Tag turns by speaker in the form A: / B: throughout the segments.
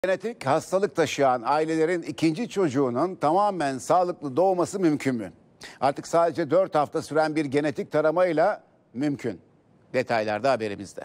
A: Genetik hastalık taşıyan ailelerin ikinci çocuğunun tamamen sağlıklı doğması mümkün mü? Artık sadece 4 hafta süren bir genetik taramayla mümkün. Detaylar da haberimizde.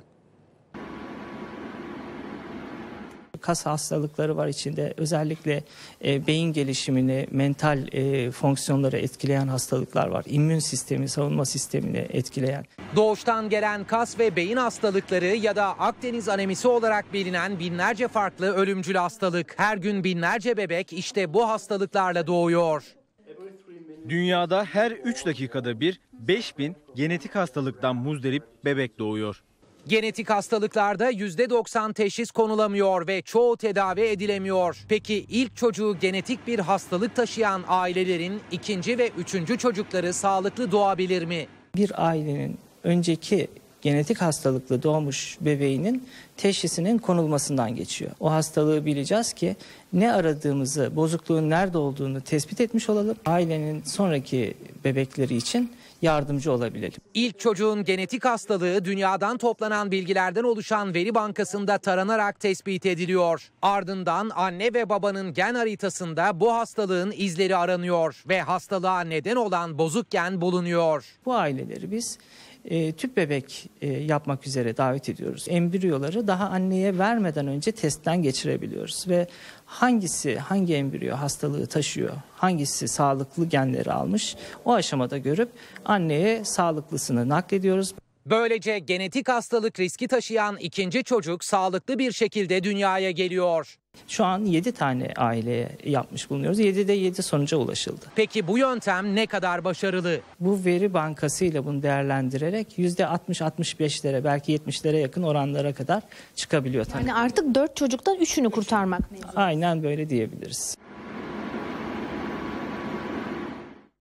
B: Kas hastalıkları var içinde. Özellikle beyin gelişimini, mental fonksiyonları etkileyen hastalıklar var. İmmün sistemi, savunma sistemini etkileyen.
C: Doğuştan gelen kas ve beyin hastalıkları ya da Akdeniz anemisi olarak bilinen binlerce farklı ölümcül hastalık. Her gün binlerce bebek işte bu hastalıklarla doğuyor.
D: Dünyada her 3 dakikada bir 5000 genetik hastalıktan muzdarip bebek doğuyor.
C: Genetik hastalıklarda %90 teşhis konulamıyor ve çoğu tedavi edilemiyor. Peki ilk çocuğu genetik bir hastalık taşıyan ailelerin ikinci ve üçüncü çocukları sağlıklı doğabilir mi?
B: Bir ailenin önceki genetik hastalıklı doğmuş bebeğinin teşhisinin konulmasından geçiyor. O hastalığı bileceğiz ki ne aradığımızı, bozukluğun nerede olduğunu tespit etmiş olalım. Ailenin sonraki bebekleri için yardımcı olabilelim.
C: İlk çocuğun genetik hastalığı dünyadan toplanan bilgilerden oluşan veri bankasında taranarak tespit ediliyor. Ardından anne ve babanın gen haritasında bu hastalığın izleri aranıyor ve hastalığa neden olan bozuk gen bulunuyor.
B: Bu aileleri biz tüp bebek yapmak üzere davet ediyoruz. Embriyoları daha anneye vermeden önce testten geçirebiliyoruz ve hangi embriyo hastalığı taşıyor, hangisi sağlıklı genleri almış o aşamada görüp anneye sağlıklısını naklediyoruz.
C: Böylece genetik hastalık riski taşıyan ikinci çocuk sağlıklı bir şekilde dünyaya geliyor.
B: Şu an 7 tane aileye yapmış bulunuyoruz. 7'de 7 sonuca ulaşıldı.
C: Peki bu yöntem ne kadar başarılı?
B: Bu veri bankasıyla bunu değerlendirerek %60-65'lere belki 70'lere yakın oranlara kadar çıkabiliyor.
E: Yani artık 4 çocuktan 3'ünü kurtarmak mevzu.
B: Aynen böyle diyebiliriz.